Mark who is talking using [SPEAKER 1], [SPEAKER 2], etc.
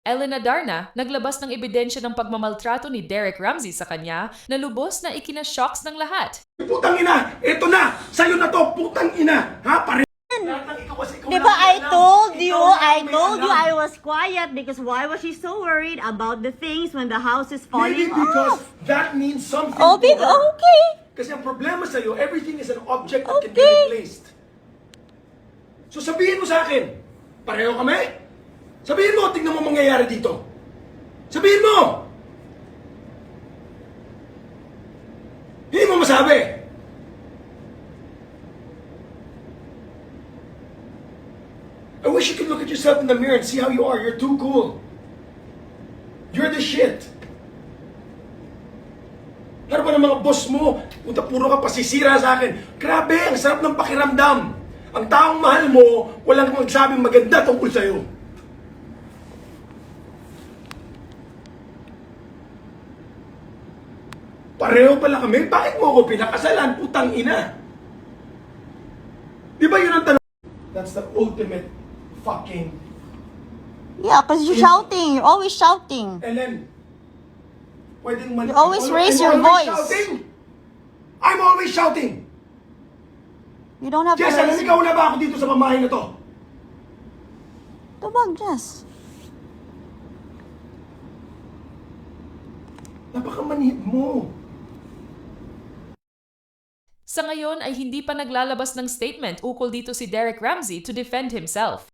[SPEAKER 1] Elena Darna, naglabas ng ebidensya ng pagmamaltrato ni Derek Ramsey sa kanya na lubos na ikinashocks ng lahat.
[SPEAKER 2] Putang ina! Ito na! Sa'yo na to! Putang ina! Ha? Pare...
[SPEAKER 3] Diba I told you I was quiet because why was she so worried about the things when the house is
[SPEAKER 2] Maybe
[SPEAKER 3] falling
[SPEAKER 2] because
[SPEAKER 3] off?
[SPEAKER 2] that means something
[SPEAKER 3] Oh,
[SPEAKER 2] to her.
[SPEAKER 3] okay.
[SPEAKER 2] Kasi ang problema sa'yo, everything is an object that can be
[SPEAKER 3] Okay.
[SPEAKER 2] replaced. So sabihin mo sa akin, pareho kami? Sabihin mo, tingnan mo mangyayari dito. Sabihin mo! Hindi mo masabi. I wish you could look at yourself in the mirror and see how you are. You're too cool. You're the shit. Ano ba ng mga boss mo? Punta puro ka pasisira sa akin. Grabe, ang sarap ng pakiramdam. Ang taong mahal mo, walang magsabing maganda tungkol sa'yo. Pareho pala kami? Bakit mo ako pinakasalan? Putang ina. Di ba yun ang tanong? That's the ultimate fucking...
[SPEAKER 3] Yeah, because you're shouting. You're always shouting.
[SPEAKER 2] Ellen, pwedeng
[SPEAKER 3] You always raise your
[SPEAKER 2] I'm always
[SPEAKER 3] voice.
[SPEAKER 2] shouting. I'm always shouting.
[SPEAKER 3] You don't have
[SPEAKER 2] Jess,
[SPEAKER 3] to raise...
[SPEAKER 2] naligaw na ba ako dito sa pamahay na to?
[SPEAKER 3] Tubag, Jess.
[SPEAKER 2] Napakamanhid mo.
[SPEAKER 1] Sa ngayon ay hindi pa naglalabas ng statement ukol dito si Derek Ramsey to defend himself.